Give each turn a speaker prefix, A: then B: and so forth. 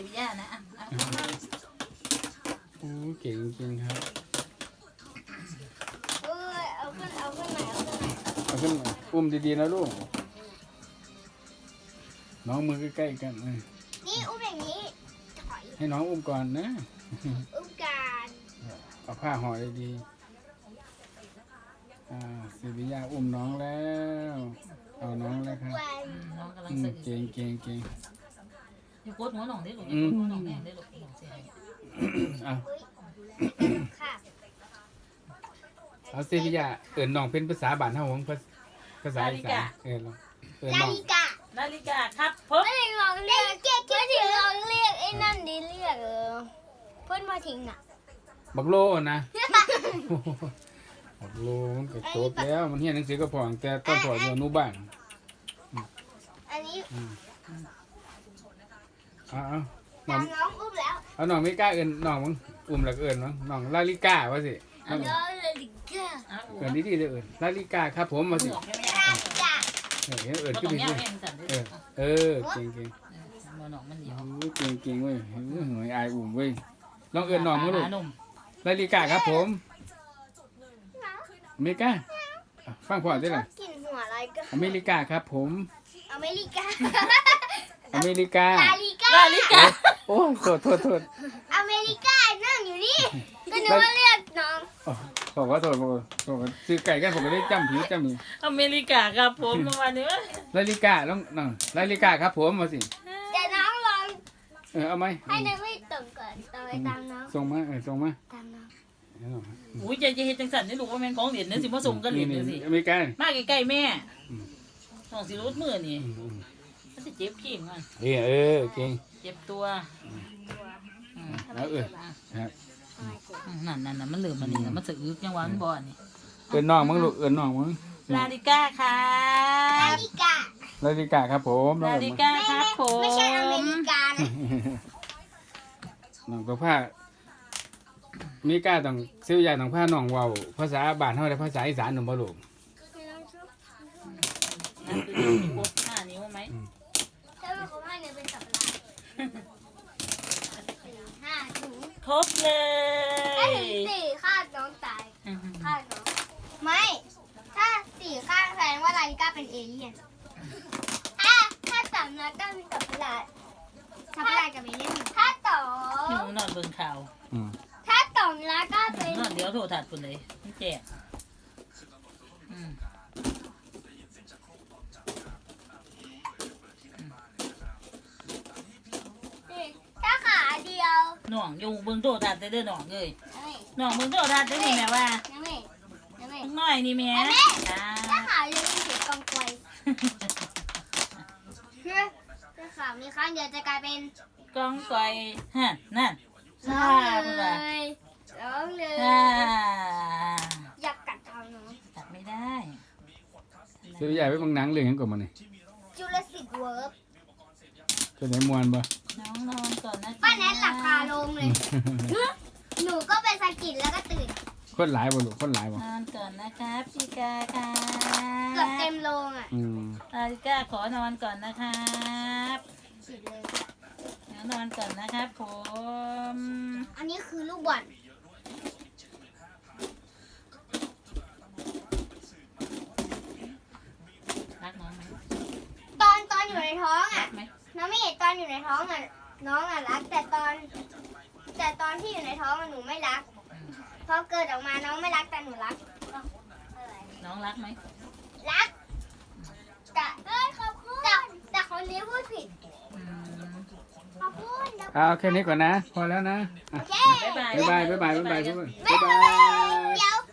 A: ย่านะ
B: โอ้เก่งจริงครับ
C: เอาขึ้นไหน
B: เอาขึ้นอุ้มดีๆนะลูกน้องมือใกล้ๆกัน
C: นี่อุ้มอย่างนี้
B: ให้น้องอุ้มก่อนนะ
C: อุ้มการ
B: เอาผ้าห่อดีๆศิวิยาอุ้มน้องแล้วเอาน้องแล้วครับ
A: น้องกำลัง
B: เก่ง
A: อยู่โคตรหัวหนองได้หรือยังหัวหนองแม่ได้หรือหนองเสีย
B: เอาศิวิยาเอิญน้องเป็นภาษาบ้านเฮาของภาษาอีสาน
C: นา
A: ฬิกาครับเพิ่
C: มไม่ถึงลองเรียกไอ้นั่นดิเรียกเพิ่นมาทิ้งน่ะ
B: บักโลนะบักโลมันก็จบแล้วมันเรียนหนังสือก็พอแต่ต้นพออยู่อนุบาล
C: อันนี้
B: น้อง
C: อุ้มแล้ว
B: เอาน้องไม่กล้าเอิญน้องมึงอุ้มแล้วก็เอิญมั้งน้องลาลิกาว่าสิเอิญดีๆเลยเอิญลาลิกาครับผมมาสิเอิญขึ้นไปสิเก่ง
A: น้องมันเดียว
B: เก่งเว้ยหน่วยอายอุ้มเว้ยลองเอิญน้องมั้งลูกลาลิกาครับผมอเมริกาฟังพ่อได้หรออเมริกาครับผม
C: อเมริกา
B: อเมริกา
A: ลาลิกา
B: โอ้โทษ
C: อเมริกานั่งอยู่นี่ก็นึกว่าเรียกน้อง
B: บอกว่าโทษซื้อไก่กันผมก็ได้จำนี่
A: อเมริกาครับผมประมาณนี้
B: ลาลิกาลองลาลิกาครับผมมาสิ
C: แต่น้องลอง
B: เอาไหม
C: ให้น้องไม่ตรงก่อนต่อไปตามน้อง
B: ส่งมา
C: ตามน้อง
A: อุ้ยจะเห็นจังสันนี่ลูกว่าแม่ของเหรียญนี่สิมาส่งกันเหรียญนี่สิ
B: อเมริกา
A: มาใกล้ๆแม่น้องสิรุดมือนี่มันจะเจ็บขี้มัน
B: เก่ง
A: เจ็บตัว
B: แล้ว
A: นั่นมันเหลือมันนี่มันสะอึกยังหวานบ่อนี่
B: เอิญน้องมึงลูกเอิญน้องมึง
A: ลาลิก้าค่ะ
C: ลา
B: ลิกาครับผม
A: ลาลิก้าครับผม
C: ไม่ใช่อเมริกานะ
B: น้องตัวผ้ามีกาต้องซื้อยาต้องผ้าน้องเว้าภาษาบ้านเฮาได้ภาษาอีสานหนุ่มบ่ลูก
A: ครบ5 นิ้วไหม
C: ถ้าไม่ครบ5 นิ้วเป็นสัปดาห์5 ถุง
A: ครบเลย
C: ถ้าถึง4ข้าน้องตายข้าน้องไม่ถ้า4ข้าแสดงว่าลาลิก้าเป็นเอเลี่ยนถ้า3นัดก็เป็นสัปดาห์กับเอเลี่ยนถ้า2
A: หนูนอนเบิ่งข่าว
C: ถ้า2แล้วก็เป็น
A: นอนเดี๋ยวโทรทัศน์พุ่นเลยมันแจก
C: ถ้าขาเดียว
A: น้องอยู่เบิ่งโทรทัศน์ได้เด้อน้องเอ้ยน้องเบิ่งโทรทัศน์ได้นี่แม่ว่าน้อยนี่แม่
C: ถ้าขาเดียวเป็นเสียงกองไกวถ้าขามีข้างเดียวจะกลายเป็น
A: กองไกวนั่น
C: ร้องเลยอยากกัดท้องน้อง
A: กัดไม่ได้
B: เสียใหญ่ไปบางหนังเรื่องยังก่อนมาเนี่ย
C: จูราสสิกเวิร์บ
B: จะไหนมวนบ่
A: น้องนอนก่อนนะ
C: ป้าแนทหลับคาลงเลยหนูก็ไปสะกิดแล้วก็ตื่น
B: คนหลายบ่ลูกคนหลายบ่
A: นอนก่อนนะครับพี่กาค่ะ
C: เกือบเต็มโรงอ่ะ
A: พี่กาขอนอนก่อนนะครับนอนก่อนนะครับผม
C: อันนี้คือลูกบอล
A: รักน้องไหม
C: ตอนอยู่ในท้องอ่ะน้องไม่เห็นตอนอยู่ในท้องอ่ะน้องอ่ะรักแต่ตอนที่อยู่ในท้องหนูไม่รักพอเกิดออกมาน้องไม่รักแต่หนูรัก
A: น้องรักไหม
C: รักแต่คนนี้พูดผิด
B: เอาแค่นี้ก่อนนะพอแล้วนะ
C: โอเค
B: บ๊ายบาย
C: เดี๋ยว